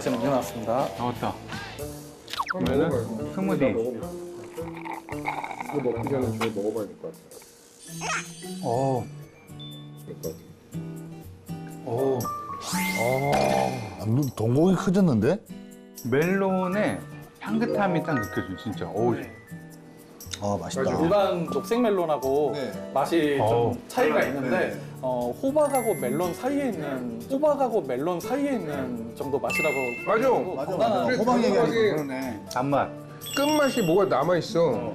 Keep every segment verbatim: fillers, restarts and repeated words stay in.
원하시는 음료 나왔습니다. 나왔다. 그러면은 스무디. 이거 먹기 전에 저거 먹어봐야 될 것 같아요. 오. 될것 같아요. 오. 아, 눈 동공이 커졌는데? 멜론의 향긋함이 딱 느껴져, 진짜. 오. 아, 맛있다. 일반 녹색 멜론하고 네. 맛이 어우. 좀 차이가 있는데 어, 호박하고 멜론 사이에 있는 호박하고 멜론 사이에 있는 정도 맛이라고 맞아. 그리고 맞아, 건강한 맞아. 호박 얘기하니까 호박이- 그러네. 단맛. 끝맛이 뭐가 남아있어.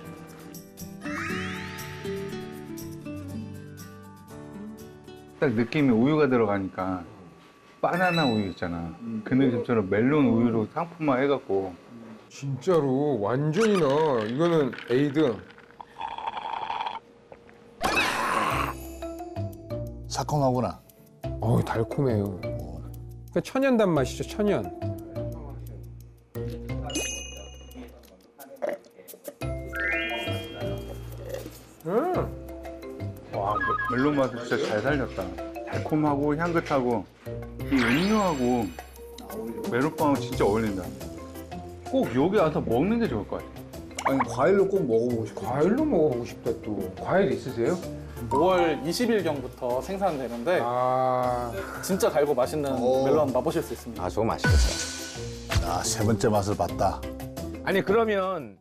딱 느낌이 우유가 들어가니까 바나나 우유 있잖아. 그 느낌처럼 멜론 우유로 상품화 해갖고 진짜로 완전히 나. 이거는 에이드. 새콤하구나. 어우, 달콤해요. 그러니까 천연 단맛이죠, 천연. 음. 와 메- 멜론 맛을 진짜 잘 살렸다. 달콤하고 향긋하고 이 음료하고 메론빵하고 진짜 어울린다. 꼭 여기 와서 먹는 게 좋을 것 같아. 아니, 과일로 꼭 먹어보고 싶어. 과일로 먹어보고 싶다, 또. 과일 있으세요? 오월 이십일경부터 생산되는데 아. 진짜 달고 맛있는 오. 멜론 맛보실 수 있습니다. 아, 저거 맛있겠어요. 아, 세 번째 맛을 봤다. 아니, 그러면